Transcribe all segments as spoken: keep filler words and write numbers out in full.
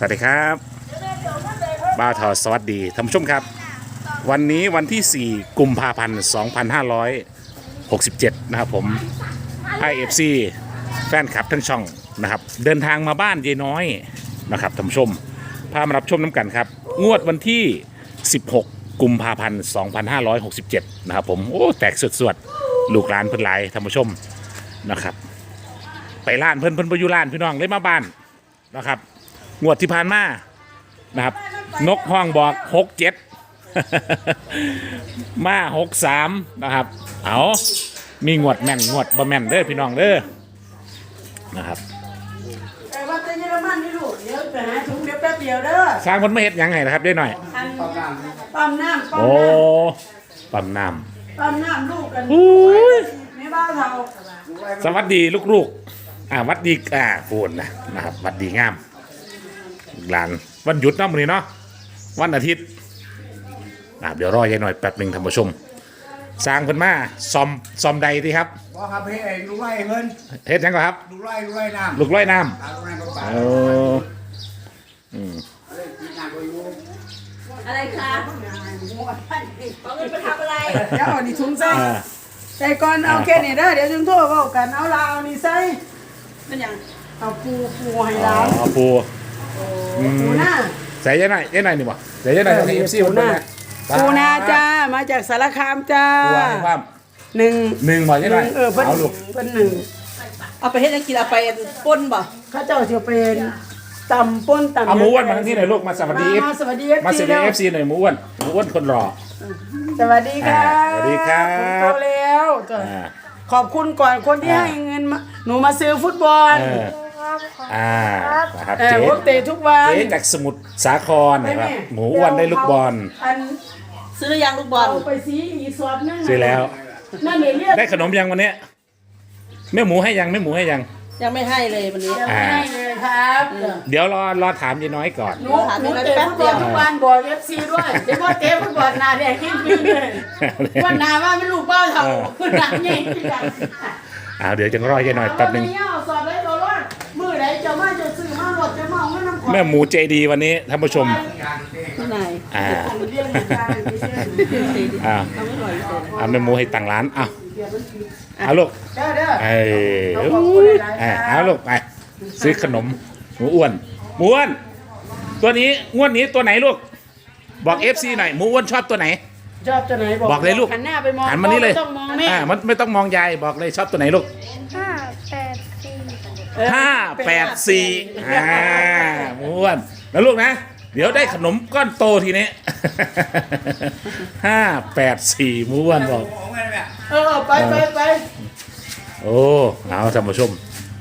สวัสดีครับบ้าวทอสวัสดีท่านผู้ชมครับวันนี้วันที่สี่กุมภาพันธ์สองพันห้าร้อยหกสิบเจ็ดนะครับผม ไอ เอฟ ซี แฟนคลับทั้งช่องนะครับเดินทางมาบ้านยายน้อยนะครับท่านผู้ชมพามารับชมน้ำกันครับงวดวันที่สิบหกกุมภาพันธ์สองพันห้าร้อยหกสิบเจ็ดนะครับผมโอ้แตกสวดๆลูกหลานเพิ่นหลายท่านผู้ชมนะครับไปล้านเพิ่นเพิ่นไปอยู่ล้านพี่น้องเลยมาบ้านนะครับงวดที่ผ่านมานะครับนกห้องบอกหกเจ็ด มาหกสามนะครับเอามีงวดแม่นงวดบ่แม่นเด้อพี่น้องเด้อนะครับแต่ว่าจะเยอรมันนี่ลูกเดี๋ยวไปหาถุงเดี๋ยวแป๊บเดียวเด้อสร้างคนไม่เห็ดยังไงนะครับได้หน่อยปั๊มน้ำปั๊มน้ำโอ้ปั๊มน้ำปั๊มน้ำลูกกันไม่บ้าเราำสวัสดีลูกๆอ่าวัดดีอ่าพูดนะนะครับวัดดีงามหลานวันหยุดเนาะมื้อนี้เนาะวันอาทิตย์อ่าเดี๋ยวรอยายหน่อยแป๊บหนึ่งท่านผู้ชมสร้างเพิ่นมาซอมซอมใดดีครับบ่ครับเฮ็ดเองลูกไร่เพิ่นเฮ็ดยังก่อนครับลูกไร่ลูกไร่น้ำลูกไร่น้ำลูกไร่ำน้ำโอ้อืมอะไรคะเอาเงินไปทำอะไรเดี๋ยวเอานี่ถุงใส่ใส่ก่อนเอาแค่นี้เด้อเดี๋ยวจึงโทรเว้ากันเอาลาวนี่ใส่เป็นหยังเอาปูปูให้หลานเอาปูปูหน้าใส่ยายหน่อยยายหน่อยนี่บ่ใส่ยายหน่อยที่ เอฟ ซีปูหน้าปูหน้าจ้ามาจากสารคามจ้าปูให้ความหนึ่งหนึ่งบ่ยายหน่อยเออเพิ่นเพิ่นหนึ่งเอาไปเฮ็ดจังกินเอาไปป่นบ่ข้าเจ้าสิเป็นตำป่นตำเอาหมูอ้วนมาทางนี้หน่อยลูกมาสวัสดีมาสวัสดีมาสวัสดี เอฟ ซี หน่อยหมูอ้วนหมูอ้วนคนรอสวัสดีค่ะสวัสดีครับโตแล้วขอบคุณก่อนคนที่ให้เงินหนูมาซื้อฟุตบอลอ่านะครับเจ๊เตะทุกวันเจ๊จากสมุทรสาครนะครับหมูอ้วนได้ลูกบอลซื้อหรือยังลูกบอลเอาไปซีอีสอบนั่นซื้อแล้วนั่นเรียกได้ขนมยังวันนี้แม่หมูให้ยังแม่หมูให้ยังยังไม่ให้เลยวันนี้ยังไม่ให้เลยครับเดี๋ยวรอรอถามยายน้อยก่อนหนูหนูเตะฟุตบอลทุกวันบอก เอฟ ซี ด้วยเดี๋ยวพอเตะฟุตบอลนาแดงยิ่งขึ้นเลยวันนาว่าไม่ลูกเป้าเท่าหนักยิ่งขึ้นอ้าวเดี๋ยวจะรอยายน้อยแป๊บนึงมือไหนจะมาจะซื้อมาหมดจะมาเอาเงินน้ำของแม่หมูใจดีวันนี้ท่านผู้ชมที่ไหนอ่าอ่าอ่าแม่หมูให้ตังร้านอ้าวเอาลูกเด้อเด้อเออเอาลูกไปซื้อขนมหมูอ้วนหมูอ้วนตัวนี้งวดนี้ตัวไหนลูกบอก เอฟ ซี หน่อยหมูอ้วนชอบตัวไหนชอบตัวไหนบอกเลยลูกหันหน้าไปมองหันมานี่เลยไม่ต้องมองแม่อ่ามันไม่ต้องมองยายบอกเลยชอบตัวไหนลูกห้าแปดสี่ห้าแปดสี่อ่าหมูอ้วนแล้วลูกนะเดี๋ยวได้ขนมก้อนโตทีนี้ห้าแปดสี่หมูอ้วนบอกเออไปไปไปโอ้เอาท่านผู้ชม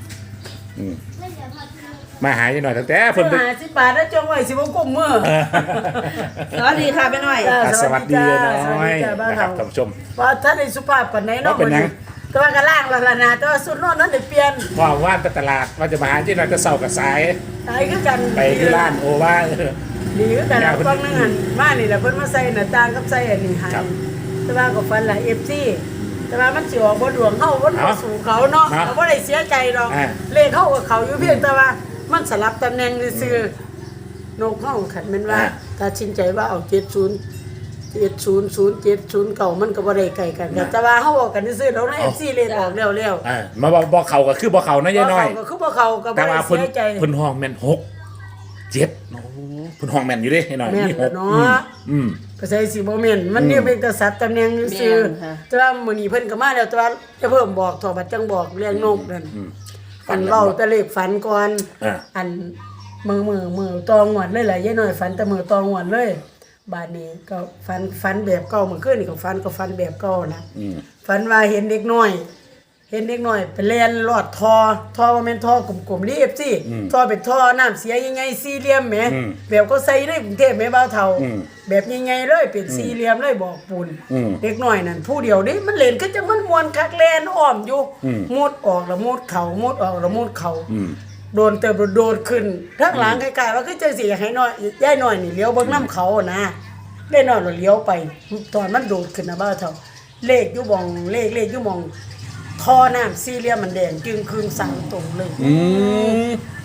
มาหายหน่อยตั้งแต่เพิ่นหาสิบบาทแล้วจงไว้สิบวงกลมมือสวัสดีค่ะไปหน่อยสวัสดีน้อยนะครับท่านผู้ชมว่าท่านในสุภาพปานไหนเนาะเป็นยังแต่ว่ากระล่างละนาแต่ว่าสุดโน่นนั้นได้เปลี่ยนว่าว่านไปตลาดว่าจะมาหาที่เราจะเศร้ากับสายสายคือกันไปที่ร้านโอว่าดีคือกันกล้องนั่งหันมานี่แหละเพิ่นมาใส่หน้าต่างกับใส่อันนี้ให้แต่ว่าก็ฟันละ เอฟ ซี แต่ว่ามันสิออกบ่ดวงเฮาบ่บ่สู่เขาเนาะเราบ่ได้เสียใจดอกเลขเฮากับเขาอยู่เพียงแต่ว่ามันสลับตำแหน่งซื่อนกเฮาคันแม่นว่าถ้าชินใจว่าเอาเจ็ดศูนย์ เจ็ดศูนย์ ศูนย์เจ็ด ศูนย์เก้ามันก็บ่ได้ไกลกันแต่ว่าเฮาบอกกันซื่อๆแล้วใน เอฟ ซี เลขออกแล้วๆอ่ามาบ่เข้าก็คือบ่เข้านะยายน้อยก็คือบ่เข้าก็บ่ได้เสียใจเพิ่นห้องแม่นหก เจ็ดโอ้เพิ่นห้องแม่นอยู่เด้ยายน้อยมีหกเนาะอืมก็ใส่สิบ่แม่นมันเนี่ยเป็นกษัตริย์ตำแหน่งซื่อแต่ว่ามื้อนี้เพิ่นก็มาแล้วแต่ว่าจะเพิ่มบอกทอบัดจังบอกเรื่องนกนั่นอันเว้าแต่เลขฝันก่อนอันมือมือมือตองหวดเลยล่ะยายน้อยฝันแต่มือตองหวดเลยบาดนี้ก็ฝันฝันแบบเก่าเมื่อคืนนี่ก็ฝันก็ฝันแบบเก่านะฝันว่าเห็นเด็กน้อยเห็นเด็กน้อยไปเล่นลอดท่อท่อว่าแม่นท่อกลมๆรีบสิท่อเป็นท่อน้ำเสียยังไงสี่เหลี่ยมแหมแบบก็ใส่ในกรุงเทพแม่บ่าวเฒ่าแบบยังไงเลยเป็นสี่เหลี่ยมเลยบอกปูนเด็กน้อยนั่นผู้เดียวนี่มันเล่นก็จังมันม่วนคักแล่นอ้อมอยู่มุดออกแล้วมุดเข้ามุดออกแล้วมุดเข้าโดนเติบโดดขึ้นทางหลังคล้ายๆว่าคือจังสิให้น้อยยายน้อยนี่เลี้ยวเบิ่งน้ำเขานะได้น้อยแล้วเลี้ยวไปตอนมันโดดขึ้นนะบ่าวเฒ่าเลขอยู่บ่องเลขเลขอยู่บ่องท่อน้ำสี่เหลี่ยมมันแดงจึงคืนสั่งตรงเลย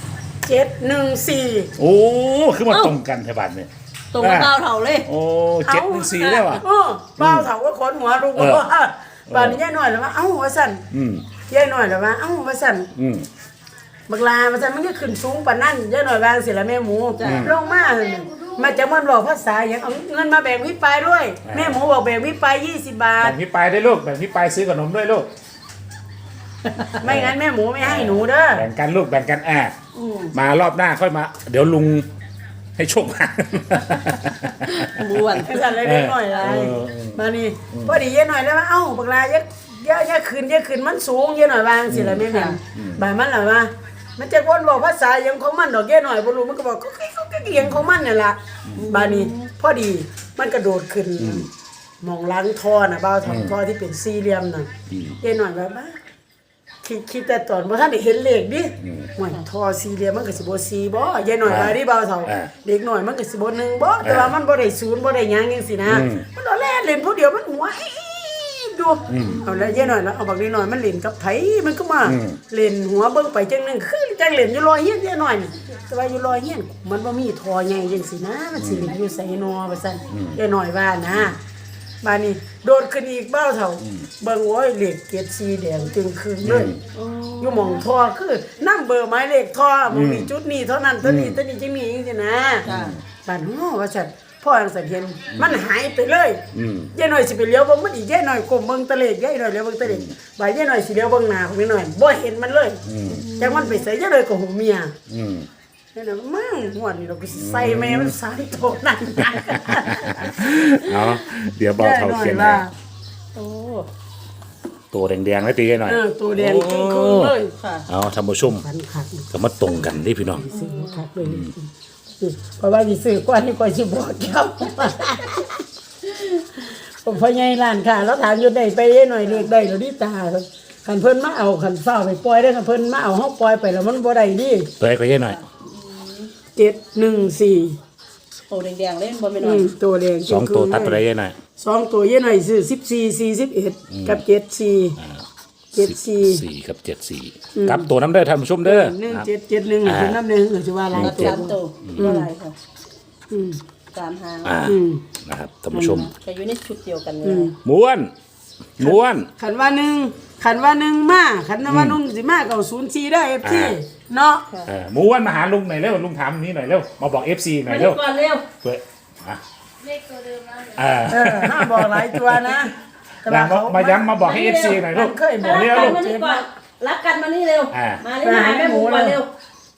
เจ็ดหนึ่งสี่โอ้คือมาตรงกันแถวบ้านเนี่ยตรงกับเต้าเถ่าเลยโอ้เจ็ดหนึ่งสี่ได้ว่ะเออบ้าวเถาก็ขนหัวลูกเออว่าป่านนี้ยายหน่อยแล้วว่าเอ้าว่าสั่นอืมยายหน่อยแล้วว่าเอ้าว่าสั่นอืมบักลาว่าสั่นมันก็ขึ้นสูงปานนั้นยายหน่อยวางสิละแม่หมูลงมามาจากมันบอกภาษาอย่างเอาเงินมาแบ่งพี่ปายด้วย แม่หมูบอกแบ่งพี่ปายยี่สิบบาทแบ่งพี่ปายได้ลูกแบ่งพี่ปายซื้อขนมด้วยลูกไม่งั้นแม่หมูไม่ให้หนูเด้อแบ่งกันลูกแบ่งกันอ่ะอืมมารอบหน้าค่อยมา เดี๋ยวลุงให้โชคมาบ้วนไอ้สั่นเลยเล็กหน่อยไรเออเออมานี่พอดียายหน่อยแล้วว่าเอ้าบักลาอย่าอย่าอย่าขึ้นอย่าขึ้นมันสูงยายหน่อยวางสิละแม่แม่บายมันล่ะว่ามันจะวนบอกภาษาอย่างของมันดอกยายหน่อยบ่รู้มันก็บอกก็ก็ก็เอียงของมันนี่ล่ะบานี้พอดีมันกระโดดขึ้นมองล้างท่อน่ะบ้าวทองท่อที่เป็นสี่เหลี่ยมน่ะยายหน่อยแบบว่าคิดคิดแต่ตอนบ่ทันได้เห็นเลขดิหวยท่อสี่เหลี่ยมมันก็สิบ่สี่บ่ยายหน่อยว่าดิบ้าวเฒ่าเด็กหน่อยมันก็สิบ่หนึ่งบ่แต่ว่ามันบ่ได้ศูนย์บ่ได้หยังจังซี่นะมันเอาแล่นเล่นผู้เดียวมันหัวอีดูเอาแล้วยายหน่อยแล้วเอาบักนิดหน่อยมันเล่นกับไผมันก็มาเล่นหัวเบิ่งไปจังนึงคือจังเล่นอยู่รอยเฮียนยายหน่อยนี่แต่ว่าอยู่รอยเฮียนมันบ่มีท่อใหญ่จังซี่นะมันสิเล่นอยู่ไสนอว่าซั่นยายหน่อยว่านะบานี้โดดขึ้นอีกบ้าวเฒ่าเบิ่งโอ้ยเลขเจ็ดสีแดงจึงคืนเลยอยู่หม่องท่อคือนำเบอร์หมายเลขท่อมันมีจุดนี้เท่านั้นเท่านี้เท่านี้จังมีจังซี่นะบ้านฮ้อว่าซั่นพ่อจังซั่นเห็นมันหายไปเลยอืมยายหน่อยสิไปเลี้ยวเบิ่งมันอีกยายหน่อยก้มเบิ่งตะเลกยายหน่อยเลี้ยวเบิ่งตะเลกบ่ายยายหน่อยสิเลี้ยวเบิ่งหน้าของยายหน่อยบ่เห็นมันเลยจังมันไปใส่ยายหน่อยก็หูเมียอืมยายหน่อยมั่งหวดนี่เราก็สิใส่แม่มันสายโตนั่นเอาเดี๋ยวบอกเขาเขียนว่าให้โอ้ตัวแดงๆแล้วตีกันหน่อยเออตัวแดงจริงคือเลยค่ะเอาท่านผู้ชมฟันคักก็มาตรงกันดิพี่น้องซื้อคักเลยเพราะว่าสิซื้อกว่านี่กว่าสิบอกเจ้าผมพ่อใหญ่ร้านค้าแล้วถามอยู่ได้ไปยายหน่อยเลขได้แล้วดิตาคันเพิ่นมาเอาคันฟ้าวไปปล่อยได้คันเพิ่นมาเอาเฮาปล่อยไปแล้วมันบ่ได้ดิตัวให้ก็เยอะหน่อยเจ็ดหนึ่งสี่โอ้แดงๆเล่นบอลไม่อืน้อยมตัวแดงสองตัวตัดตัวได้เยอะหน่อยสองตัวเยอะหน่อยซื้อสิบสี่สี่สิบเอ็ดกับเจ็ดสี่เจ็ดสี่สี่กับเจ็ดสี่กับตัวน้ำเด้อท่านผู้ชมเด้อหนึ่งครับเจ็ดเจ็ดหนึ่งหรือน้ำหนึ่งหรือจะว่าอะไรรัดตัวสามตัวว่าอะไรค่ะอืมสามหางอ่าอืมนะครับท่านผู้ชมแต่อยู่ในชุดเดียวกันเลยม้วนม้วนขันว่าหนึ่งขันว่าหนึ่งมาขันว่าหนึ่งสิมาเก่าศูนย์สี่ได้เอฟซีเนาะเออม้วนมาหาลุงหน่อยเร็วลุงถามนี้หน่อยเร็วมาบอกเอฟซีหน่มาอยดูเร็วก่อนเร็วเพื่ออ่ะเลขตัวเดิมแล้วเออเออห้ามบอกหลายตัวนะแต่มาว่าเขามาย้ำมาบอกให้เอฟซีหน่อยลูกเคยบอรักกเร็วกันลูกมานี่ก่อนรักกันมานี่เร็วอ่ามาเร็วมาหาแม่หมูก่อนเร็ว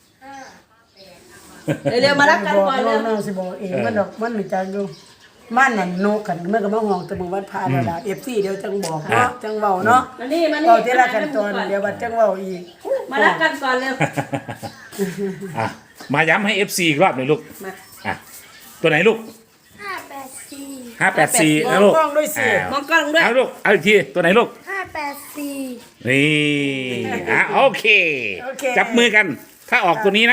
เร็วๆมารักกันบอกก่อนน้เร็วองๆสิบอกเองมันดอกมันหนึ่งจังอยู่มันนั่นโนกันเมื่อกับมาห้องแตะมือวัดพาแล้วล่ะเอฟซีเดี๋ยวจังบอกเนาะจังเว้าเนาะมานี่มานี่เอาทีละขั้นตอนเดี๋ยวบัดจังเว้าอีกมารักกันก่อนเร็วอ่ะมาย้ำให้เอฟซีอีกรอบหน่อยลูกมาอ่ะตัวไหนลูกห้าแปดสี่ห้าแปดสี่นะลูกมองกล้องด้วยสิอ่ามองกล้องด้วยเอาลูกเอาอีกทีตัวไหนลูกห้าแปดสี่นี่อ่ะโอเคโอเคจับมือกัน ถ้าออกตัวนี้นะ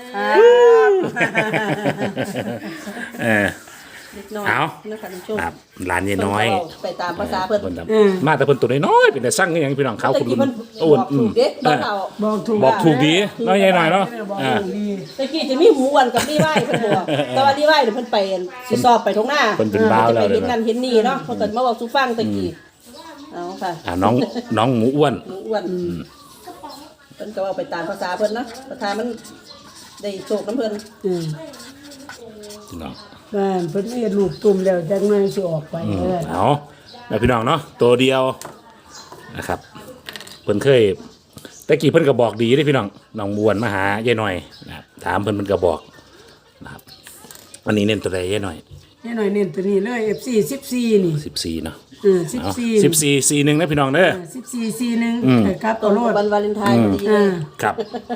เออนิดหน่อยเอานะคะท่านผู้ชมครับหลานยายน้อยไปตามภาษาเพิ่นเพิ่นทำมาแต่เพิ่นตัวน้อยๆเป็นแต่สร้างอย่างพี่น้องเขาแต่คุณกี้ลุเพิ่งนอ้วนบอกอืถูมกเด้บอกเอาบอกถูกบอกถูกดีน้อยใหญ่หน่อยเนาะบอกอ่าถูกดีตะกี้จะมีหมูอ้วนกับดีไหว้เพิ่นบอกแต่ว่าดีไหว้เดี๋ยวเพิ่นไปสิสอบไปทงหน้าเพิ่นเป็นบ้าวจะแล้ไปวเลเห็ยนนั่นนะเห็นนี่เนาะเพิ่นก็มาบอกสู่ฟังตะกี้เอาค่ะอ่าน้องน้องหมูอ้วนหมูอ้วนเพิ่นก็เอาไปตามภาษาเพิ่นนะภาษามันได้โชคน้ำเพิ่นอืมพี่น้องบ้านเพิ่นเฮ็ดลูกตุ่มแล้วจังหน่อยสิออกไปเด้อเอาแม่พี่น้องเนาะตัวเดียวนะครับเพิ่นเคยแต่กี้เพิ่นก็บอกดีเด้พี่น้องน้องมวนมาหายายหน่อยนะครับถามเพิ่นเพิ่นก็บอกนะครับวันนี้เน้นตัวใดยายหน่อยนี่หน่อยเน้นตัวนี้เลย เอฟ ซี สิบสี่นี่สิบสี่เนาะเออเอาสิบสี่สิบสี่สี่หนึ่งนะพี่น้องเด้อสิบสี่ สี่หนึ่งอืมเออครับตรเอางโลกัดบวันวาเลนไทน์พอดีเอเลยอครับ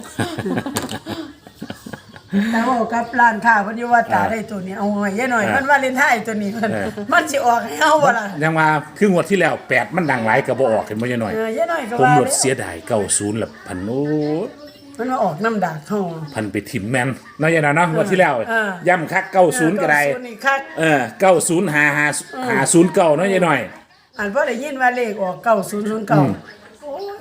แต่ว่ากับร้านค้าเพิ่นอยู่ว่าตาได้ตัวนี้เอาหอยยายหน่อยมันวาเลนไทน์ตัวนี้มันมันสิออกให้เฮาบ่ล่ะยังมาคืองวดที่แล้วแปดมันดังหลายก็บ่ออกเห็นบ่ยายหน่อยเออยายหน่อยก็ผมว่าหมดแล้วเสียดายเก้าศูนย์ละพันโอ้มันมาออกน้ำดากเฮาพันไปถิ่มแมนเนาะยายหน่อยเนาะงวดที่แล้วเออย่ำคักเก้าศูนย์ก็ได้เก้าศูนย์นี่คักเออเก้าศูนย์หาหาหาศูนย์เก้าเนาะยายหน่อยอันพอได้ยินว่าเลขออกเก้าศูนย์ศูนย์เก้าโอ้ย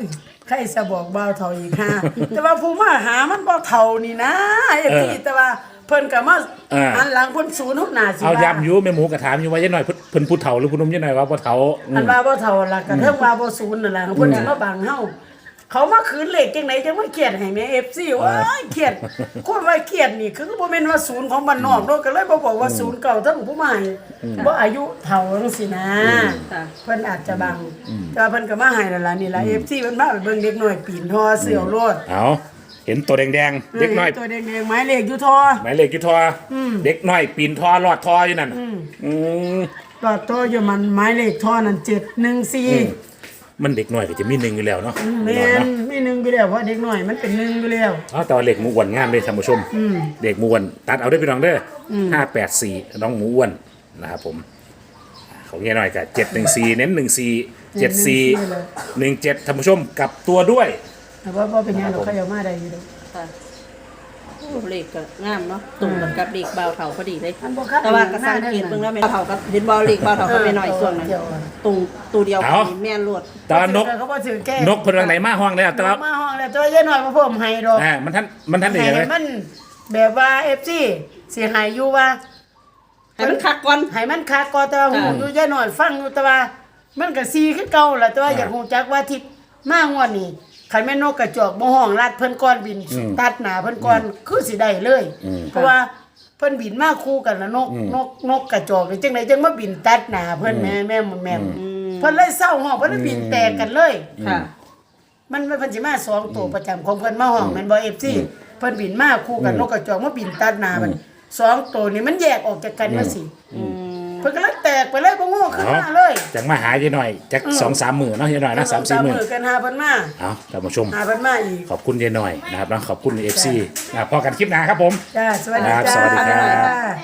ใครจะบอกบ่าวเฒ่าอีกค่ะ แต่ว่าผู้มาหามันบ่เฒ่านี่นะเอฟซีแต่ว่าเพิ่นก็มาอันหลังเพิ่นศูนย์ทุกหน้าสิเอาย้ำอยู่แม่หมูกระถามอยู่ว่ายัยหน่อยเพิ่นเพิ่นผู้เฒ่าหรือผู้หนุ่มยัยหน่อยว่าบ่เฒ่าอือัมนว่าบ่เฒ่าล่ะก็เทิงว่าบ่ศูนย์นั่นล่ะเพิ่นสิมาบังเฮาเขามาคืนเลขจังไหนจังว่าเครียดให้แม่ เอฟ ซี ว้ายเครียดคนว่าเครียดนี่คือบ่แม่นว่าศูนย์ของบ้านนอกเนาะก็เลยบ่บอกว่าศูนย์เก่าทั้งผู้ใหม่บ่อายุเฒ่าจังซี่นะค่ะเพิ่นอาจจะบังแต่ว่าเพิ่นก็มาให้นั่นล่ะนี่ล่ะ เอฟ ซี เพิ่นมาไปเบิ่งเด็กน้อยปีนท่อเสี่ยวโลดเอาเห็นตัวแดงๆเด็กน้อยตัวแดงๆไม้เลขอยู่ท่อหมายเลขกี่ทออเด็กน้อยปีนทอลอดทออยู่นั่นอืมตอดท่ออยู่มันไม้เลขท่อนั่นเจ็ดหนึ่งสี่มันเด็กน้อยก็จะมีหนึ่งอยู่แล้วเนาะแม่นมีหนึ่งอยู่แล้วเพราะเด็กน้อยมันเป็นหนึ่งอยู่แล้วเอาแต่ว่าเด็กหมูอ้วนงามเลยท่านผู้ชมเด็กหมูอ้วนตัดเอาได้พี่น้องเด้อห้าแปดสี่น้องหมูอ้วนนะครับผมของยายหน่อยกับเจ็ดหนึ่งสี่เน้นหนึ่งสี่เจ็ดสี่หนึ่งเจ็ดท่านผู้ชมกลับตัวด้วยแต่ว่าบ่เป็นหยังเราเขาเอามาได้อยู่ดอกค่ะโอ้เลขก็งามเนาะตรงกันกับเลขเบาเถาพอดีเลยอันบ่คักแต่ว่ากระสังเกตเบิ่งแล้วแม่เถากับเห็นบ่เลขเบาเถาก็ไปหน่อยส่วนนั้นตรงตัวเดียวกันนี่แม่นรวดตอนนกเขาบ่ถือแก้นกเพิ่นวางไหนมาห้องเลยแต่ว่ามาห้องแล้วตัวยายน้อยมาเพิ่มให้ดอกอ่ามันท่านมันท่านได้ยังไงให้มันแบบว่า เอฟ ซี สิให้อยู่ว่าให้มันคักก่อนให้มันคักก็แต่ว่าหูอยู่ยายน้อยฟังอยู่แต่ว่ามันก็ซีคือเก่าล่ะแต่ว่าอยากฮู้จักว่าทิศมางวดนี้คันแม่นนกกระจอกบ่ห้องลัดเพิ่นก่อนบินตัดหน้าเพิ่นก่อนคือสิได้เลย เพราะว่าเพิ่นบินมาคู่กันแล้วนกนกนกกระจอกนี่จังไดจังมาบินตัดหน้าเพิ่นแม่แม่แม่เพิ่นเลยเศร้าห้องเพิ่นเลยบินแตกกันเลยค่ะมันมันเพิ่นสิมาสองตัวประจำของเพิ่นมาห้องแม่นบ่ เอฟ ซี เพิ่นบินมาคู่กันนกกระจอกมาบินตัดหน้ามันสองตัวนี่มันแยกออกจากกันว่าสิเพิ่นก็เลยแตกไปเลยบ่โง่ขึ้นเอามาเลยจังมาหายายหน่อยจักสองสามหมื่นเนาะยายหน่อยนะสามสี่หมื่นกันหาเพิ่นมาเอาท่านผู้ชมหาเพิ่นมาอีกขอบคุณยายหน่อยนะครับแล้วขอบคุณเอฟซีพอกันคลิปหน้าครับผมจ้าสวัสดีครับจ้าสวัสดีครับจ้า